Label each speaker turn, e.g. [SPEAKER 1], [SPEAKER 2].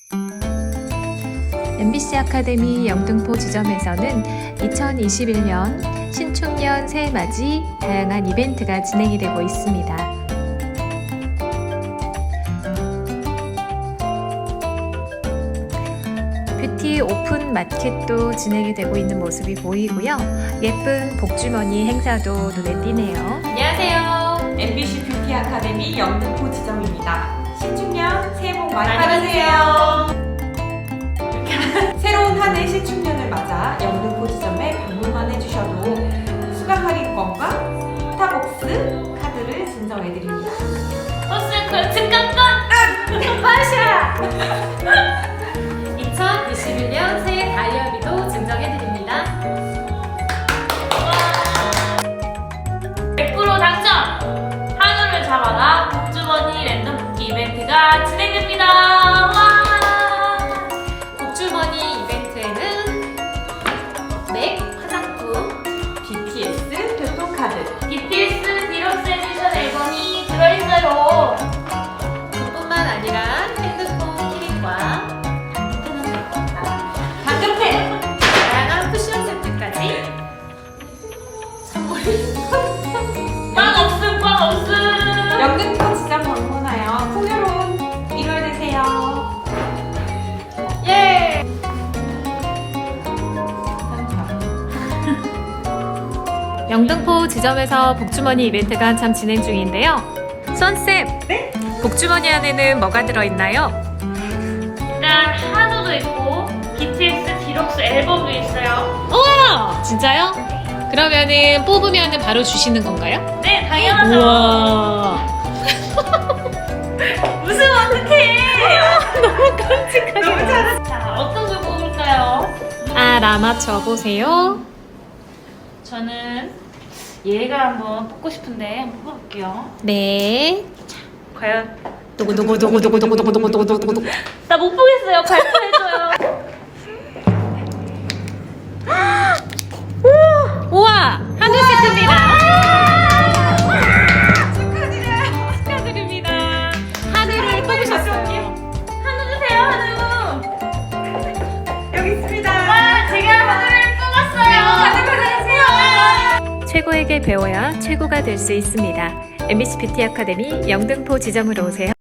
[SPEAKER 1] MBC 아카데미 영등포 지점에서는 2021년 신축년 새해맞이 다양한 이벤트가 진행이 되고 있습니다. 뷰티 오픈 마켓도 진행이 되고 있는 모습이 보이고요. 예쁜 복주머니 행사도 눈에 띄네요.
[SPEAKER 2] 안녕하세요.
[SPEAKER 3] MBC 뷰티 아카데미 영등포 지점입니다. 신축년 새해 복 많이 받으세요. 새로운 한 해 신축년을 맞아 영등포 지점에 방문만 해주셔도 수강 할인권과 스타벅스 카드를 증정해드립니다.
[SPEAKER 2] 버스 증강권! 마샤!
[SPEAKER 1] 2021년 새해 다이어리도 증정해드립니다.
[SPEAKER 2] 100% 당첨! 한우를 잡아라 복주머니 랜덤 뽑기 이벤트가 진행됩니다. 와!
[SPEAKER 1] 복주머니 이벤트에는 맥 화장품,
[SPEAKER 3] BTS 교통카드,
[SPEAKER 2] BTS 디럭스 에디션 앨범이 들어있어요.
[SPEAKER 1] 그뿐만 아니라 핸드폰 키링과
[SPEAKER 3] 당근펜!
[SPEAKER 1] 다양한 쿠션 세트까지 선물이
[SPEAKER 2] 꽝 없음!
[SPEAKER 3] 영등포 지점 방문하여 풍요로운 1월 되세요.
[SPEAKER 2] 예!
[SPEAKER 1] 영등포 지점에서 복주머니 이벤트가 한참 진행 중인데요. 수원쌤,
[SPEAKER 3] 네?
[SPEAKER 1] 복주머니 안에는 뭐가 들어있나요?
[SPEAKER 2] 일단 한우도 있고 BTS 디럭스 앨범도 있어요.
[SPEAKER 1] 우와! 진짜요? 그러면은 뽑으면 바로 주시는 건가요?
[SPEAKER 2] 네, 당연하죠.
[SPEAKER 1] 우와!
[SPEAKER 2] 웃으면 어떡해!
[SPEAKER 1] 너무 깜찍하게.
[SPEAKER 3] 너무 잘했어.
[SPEAKER 2] 자, 어떤 걸 뽑을까요?
[SPEAKER 1] 알아맞혀 보세요.
[SPEAKER 2] 저는 얘가 한번 뽑고 싶은데 한번 뽑아볼게요.
[SPEAKER 1] 네.
[SPEAKER 2] 과연
[SPEAKER 1] 도구도구도구도구도구도구도구도구도구도구.
[SPEAKER 2] 나 못 보겠어요. 발표해줘요.
[SPEAKER 1] 우와! 한우 세트입니다. 축하드립니다. 한우를 뽑으셨어요.
[SPEAKER 2] 한우 주세요, 한우.
[SPEAKER 3] 여기 있습니다.
[SPEAKER 2] 와, 제가 한우를 뽑았어요. 한우 받아주세요.
[SPEAKER 1] 최고에게 배워야 최고가 될 수 있습니다. MBC 뷰티 아카데미 영등포 지점으로 오세요.